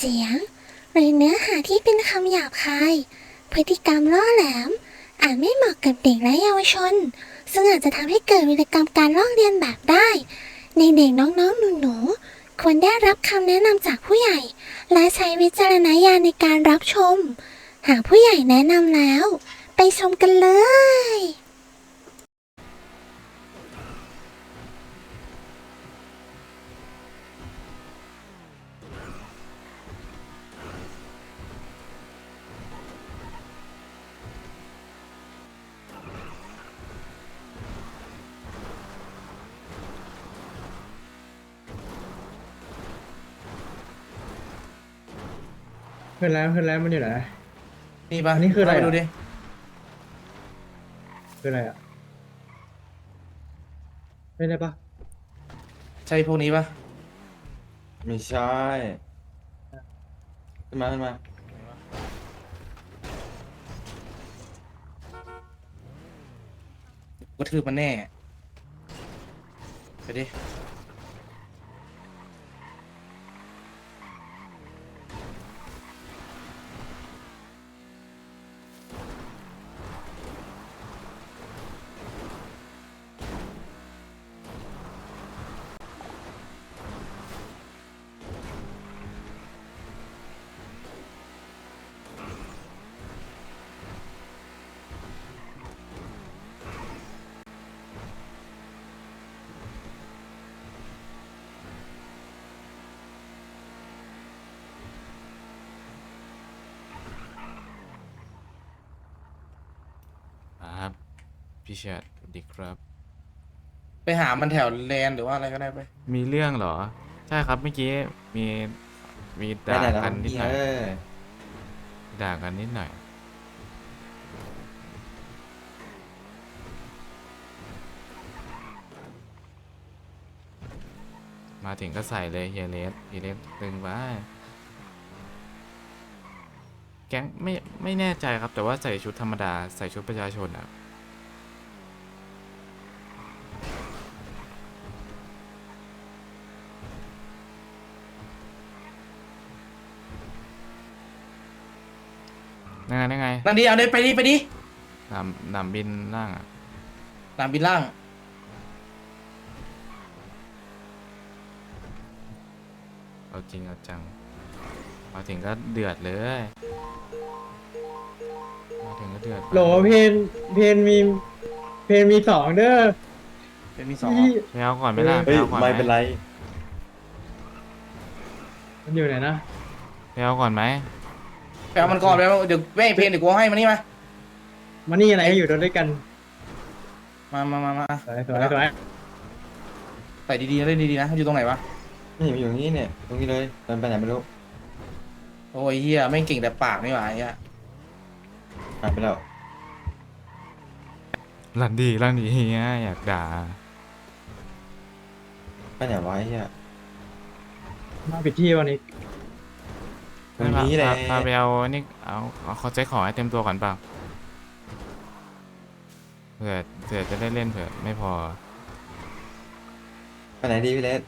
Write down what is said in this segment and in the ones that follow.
สียงหรือเนื้อหาที่เป็นคำหยาบคายพฤติกรรมล่อแหลมอาจไม่เหมาะกับเด็กและเยาวชนซึ่งอาจจะทำให้เกิดวิกรรมการลอกเลียนแบบได้ในเด็กน้องๆหนูๆควรได้รับคำแนะนำจากผู้ใหญ่และใช้วิจารณญาณในการรับชมหากผู้ใหญ่แนะนำแล้วไปชมกันเลยขึ้นแล้วมันอยู่ไหนนี่ปะอันนี้คืออะไรเาปดูอ่ะดิคืออะไรอ่ะไม่ได้ปะใช่พวกนี้ปะไม่ใช่ขึ้นมากระทืบมันแน่ไปดิครับพี่เชิดสวัสดีครับไปหามันแถวแลนหรือว่าอะไรก็ได้ไปมีเรื่องเหรอ ใช่ครับเมื่อกี้มีมีไปด่าไหนแล้วกันนิดหน่อยเออด่ากันนิดหน่อยมาถึงก็ใส่เลยเฮียเลสตึงไปแก๊งไม่แน่ใจครับแต่ว่าใส่ชุดธรรมดาใส่ชุดประชาชนอ่ะนั่งไงนั่นดิเอาดิไปดิหนำบินล่างอ่ะสนามบินล่างเอาจริงเอาจังมาถึงก็เดือดเลยมาถึงก็เดือดโหลเพนมีสองเด้อเป็นมีสองพี่ไปเอาก่อนไหมล่ะไปเฮ้ยเอาก่อนไหมไม่เป็นไรมันอยู่ไหนนะไปเอาก่อนไหมไปเอามันก่อนไปเอาเดี๋ยวแม่เพลงเดี๋ยวกูเอาให้มันนี่มามานี่อะไรก็อยู่ด้วยกันมาสวยใส่ดีๆนะเล่นดีๆนะอยู่ตรงไหนวะนี่มันอยู่นี่เนี่ยตรงนี้เลยเดินไปไหนไม่รู้โอ้ยเฮียไม่งเก่งแต่ปากนี่หว่าไอ้เฮียหายไปแล้วลั่นดีเฮียอยากด่าไปไหนวะไอ้เหี้ยมาปิดที่วันนี้ตรงนี้แหละพาไปเอานี่เอาเขาใช้ของให้เต็มตัวก่อนเปล่าเผื่อจะได้เล่นเผื่อไม่พอไปไหนดีพี่เลส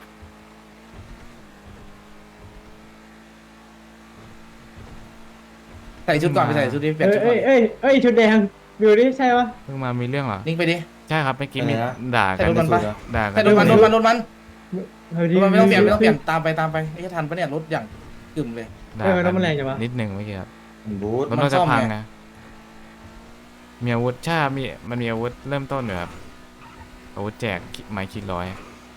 ใส่ชุดก่อนไปใส่ชุดดิเปลี่ยนชุดก่อนเอ้ยชุดแดงดูดิใช่ปะเพิ่งมามีเรื่องเหรอนิ่งไปดิใช่ครับเมื่อกี้มีด่าใส่กันรถมันปะด่ากัใส่นรถมันรถมันเฮ้ยไม่ต้องเปลี่ยนไม่ต้องเปลี่ยนตามไปไอ้เหี้ยทันปะเนี่ยรถอย่างกึ่มเลยด่าเออกัแล้วมันแรงจังวะนิดหนึ่งเมื่อกี้ครับมันบูทรถมันน่าจะซ่อมพังไงนะมีอาวุธใช่ครับมันมีอาวุธเริ่มต้นอยู่ครับอาวุธแจกไม้คิดร้อย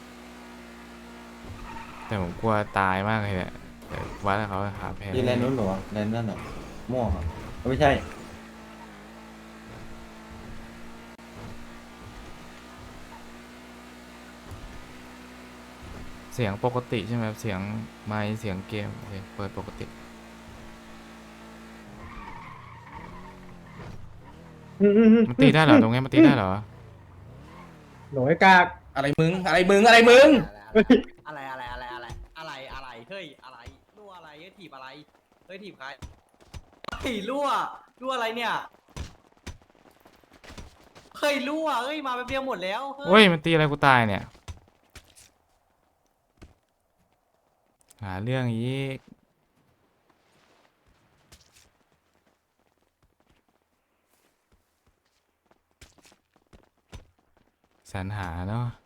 แต่ผมกลัวตายมากเลยเนี่ยแต่วัดแล้วเขาหาแพ้ที่แลนด์นู้นเหรอวะแลนด์นั่นเหรอม่วงเหรอไม่ใช่เสียงปกติใช่ไหมครับเสียงไมค์เสียงเกมโอเคเปิดปกติ มันตีได้เหรอตรงนี้มันตีได้เหรอโหลไอ้กากอะไรมึงเฮ้ยอะไรเฮ้ยรั่วอะไรเฮ้ยถีบอะไรเฮ้ยถีบใครเฮ้ยรั่วอะไรเนี่ยเฮ้ยรั่วเฮ้ยมาแป๊บเดียวหมดแล้วเฮ้ยมันตีอะไรกูตายเนี่ยหาเรื่องอีกสรรหาเนาะ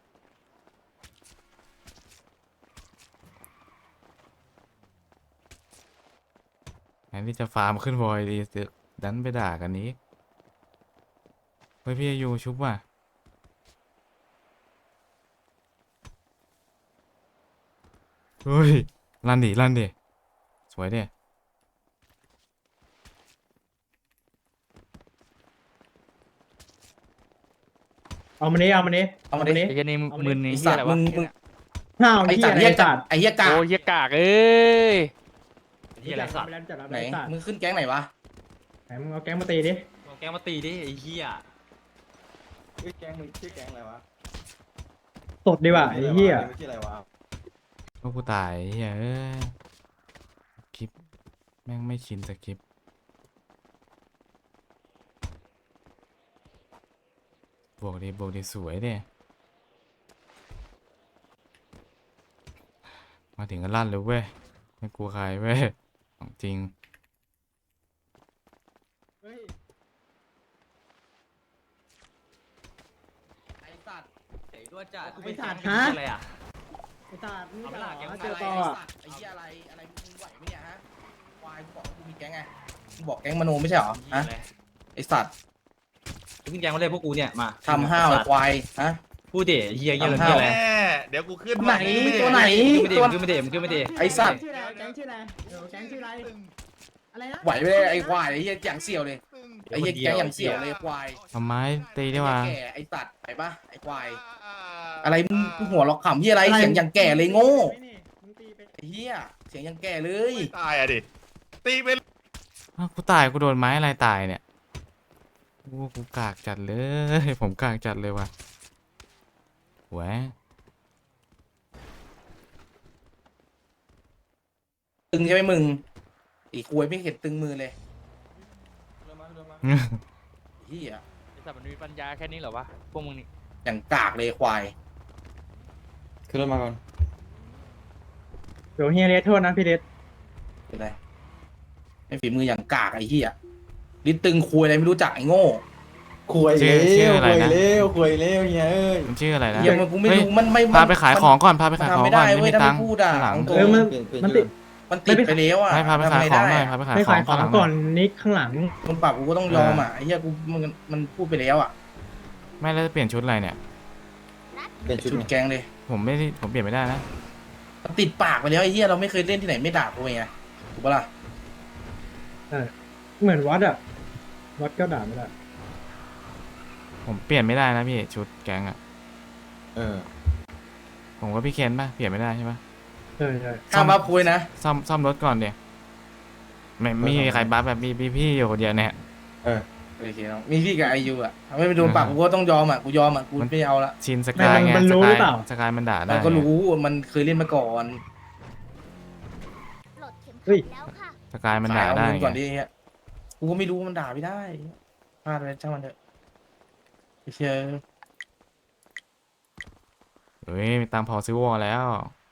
แทนที่จะฟาร์มขึ้นบอยดีสึกดันไปด่ากันนี้เฮ้ยพี่อายูชุบว่ะเฮ้ยลั่นดิสวยดิเอามานี้เอามานี้เอามาดินี้ไอ้เหี้ยนี่เอามาดิมึนนี่ไอ้เหี้สัยตอะไรว์วะมึงห้าวไอ้เหี้สัยตว์ไอ้เหี้ยกาสักตว์ไอ้เหี้ยกากโอ้เหี้ยกากเอ้ยเหี้ยอะไรสัตว์ไหนมึงขึ้นแก๊งไหนวะไหนมึงเอาแก๊งมาตีดิเอาแกมาตีดิไอ้เหี้ยชื่อแก๊งมึงชื่อแก๊งอะไรวะสดดีว่ะไอ้เหี้ยชื่ออะไรวะพวกกูตายเฮ้ยเอ้ยคลิปแม่งไม่ชินสคริปต์บวกดีสวยดิมาถึงก็ลั่นเลยเว้ยไม่กลัวใครเว้ยของจริงเฮ้ยไอ้สัตว์ไอ้ด้วยจ้ะไอ้สัตว์เป็นฮะอะไรอ่ะไอ้สัตว์นี่เอาเหไปรละอแก๊งเจออะไรต่อไอ้อ่ะสัตว์ไอ้เหี้ยอะไรมึงไหวไหมเนี่ยฮะควายกูบอกว่ากูมีแก๊งไงกูบอกแก๊งมโนไม่ใช่เหรอฮะไอ้สัตว์ขึ้นแกงมาเลยพวกกูเนี่ยมาทำห้าวไอ้ควายฮะพูดดิเหี้ยเหี้ยทำห้าวอะไรเดี๋ยวกูขึ้นไหนตัวไหนขึ้นไม่ได้ขึ้นไม่ได้ไอ้สัตว์ชื่ออะไรแก๊งชื่ออะไรเดี๋ยวแก๊งชื่ออะไรอะไรนะไหวไปเลยไอ้ควายไอ้เหี้ยอย่างเสี่ยวเลยไอ้เหี้ยแก๊งอย่างเสี่ยวเลยควายทำไมตีได้วะแก่ไอ้สัตว์ไปปะไอ้ควายอะไรมึงหัวเราะขำเหี้ยอะไรเสียงอย่างแก่เลยโง่มึงตีไปไอ้เหี้ยเสียงอย่างแก่เลยตายอ่ะดิ ตีไปอ้าวกูตายกูโดนไม้อะไรตายเนี่ยโอ้กูกากจัดเลย ผมกากจัดเลยว่ะแหวะตึงใช่ไหมมึงอีควายไม่เห็นตึงมือเลยเหี้ยไอ้สัตว์มันมีปัญญาแค่นี้เหรอวะ พวกมึงนี่อย่างกากเลยควายขึ้นรถมาก่อนเดี๋ยวเฮียเรสโทษนะพี่เรสเป็นไรไอ้ฝีมืออย่างกากไอ้เหี้ยลิ้นตึงควายอะไรไม่รู้จักไอ้โง่คุยชื่ออะไรนะคุยเร็วเฮียเอ้ยมันชื่ออะไรนะเหี้ยมันกูไม่เฮ้ยรู้มันไม่พาไปขายของก่อนพาไปมันขายของทำไม่ก่อได้นเว้ไม่ยมีถ้าตัไม่งค์พูดอ่ะข้างหลังตรงมันๆติดมันติดไปแล้วอ่ะให้พาไปขายของหน่อยพาไปขายไปขอขาง ยของข้างหลังก่อนนิกข้างหลังมันปรับกูก็ต้องยอมอ่ะไอ้เหี้ยกูมันพูดไปแล้วอ่ะไม่แล้วจะเปลี่ยนชุดอะไรเนี่ยเป็นชุดชุดไงแกงเลยผมไม่ได้ผมเปลี่ยนไม่ได้นะมันติดปากไปแล้วไอ้เหี้ยเราไม่เคยเล่นที่ไหนไม่ด่ากูไงถูกปะล่ะเหมือนวัดอ่ะวัดก็ด่าไม่ได้ผมเปลี่ยนไม่ได้นะพี่ชุดแก๊งอะเออผมก็พี่เคนป่ะเปลี่ยนไม่ได้ใช่ป่ะใช่ใช่ห้ามมาพูดนะซ่อมรถก่อนเดี๋ยวไม่มีใครบัฟแบบมีพี่อยู่คนเดียวเนี่ยเออโอเคเนาะมีพี่กับไอยูอ่ะถ้าไม่โดนปากกูก็ต้องยอมอ่ะกูยอมอ่ะกูไม่เอาละชินสกายไงมันสรู้กาหรืยอเปล่าสกายมันด่าได้มันก็รู้มันเคยเล่นมาก่อนเฮ้ยสกายมันด่าเอาได้เงินไงก่อนดิเฮียกูก็ไม่รู้มันด่าไม่ได้พลาดไปช่างมันเถอะไอ้เชี่ยเฮ้ยมีตังค์พอซื้อวอลแล้ว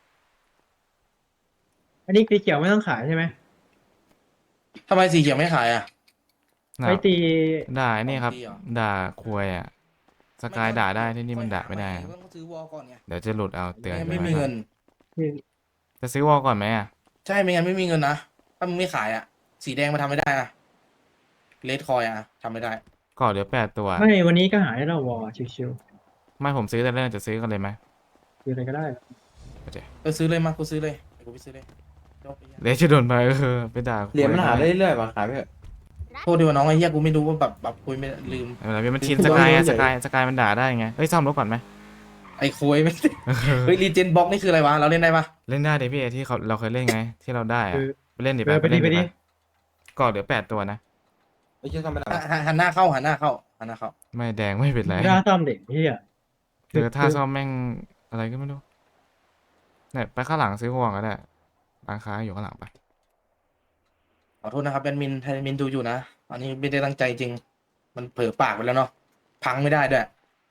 อันนี้สีเขียวไม่ต้องขายใช่ไหมทำไมสีเขียวไม่ขายอ่ะน่ะไว้ตีด่าไอ้นี่ครับของดีเหรอด่าควยอ่ะสกายด่าได้ที่นี่มันด่าไม่ได้ครับต้องซื้อวอลก่อนไงเดี๋ยวจะหลุดเอาเตือนไม่มีเงินจะซื้อวอลก่อนไหมอ่ะใช่ไม่งั้นไม่มีเงินนะถ้ามึงไม่ขายอ่ะสีแดงมาทำไม่ได้นะเลดคอยอ่ะทำไม่ได้ก็เหลือ8 ตัวไม่วันนี้ก็หายแล้ววอชิวไม่ผมซื้อแต่เรื่องจะซื้อกันเลยไหมๆคืออะไรก็ได้ก็ซื้อเลยมากูซื้อเลยเดี๋ยวกูไปซื้อเลยจบไอ้เหี้ยเดี๋ยวจะโดนไปไปด่าควยเหรียญมันหาได้เรื่อยๆว่ะขายไปเถอะโทษดีว่าน้องไอ้เหี้ยกูไม่รู้ว่าแบบคุยไม่ลืมเวลามันชินสกายอะสกายมันด่าได้ไงเฮ้ยซ่อมรถก่อนไหมไอ้คุยไม่ เฮ้ยรีเจนบ็อกนี่คืออะไรวะเราเล่นได้ปะเล่นได้เดี๋ยวพี่ที่เราเคยเล่นไง ที่เราได้อะคือไปเล่นดิไปดิเล่นไปดิก็เหลือ8 ตัวนะไอ้เชี่ยทำไม่ได้หันหน้าเข้าหันหน้าเข้าหันหน้าเข้าไม่แดงไม่เป็นไรไม่ได้ซ่อมเด็กพี่อ่ะเจอท่าซ่อมแม่งอะไรก็ไม่รู้เนี่ยไปข้างหลังซื้อห่วงก็ได้ร้านค้าอยู่ข้างหลังไปขอโทษนะครับแอดมินถ้าแอดมินดูอยู่นะอันนี้ไม่ได้ตั้งใจจริง มันเผลอปากไปแล้วเนาะพังไม่ได้ด้วย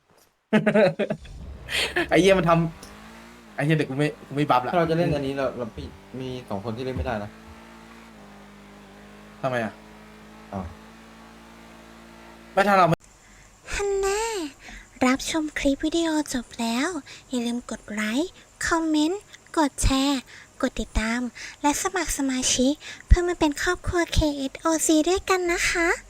ไอ้เหี้ยมันทำไอ้เหี้ยเด็กกูไม่บัฟละถ้าเราจะเล่นอันนี้เรามี2 คนที่เล่นไม่ได้นะทำไมอ่ะอ้าวไม่ถ้าเราฮันน่ารับชมคลิปวิดีโอจบแล้ว อย่าลืมกดไลค์ คอมเมนต์ กดแชร์ กดติดตาม และสมัครสมาชิกเพื่อมาเป็นครอบครัว KSOC ด้วยกันนะคะ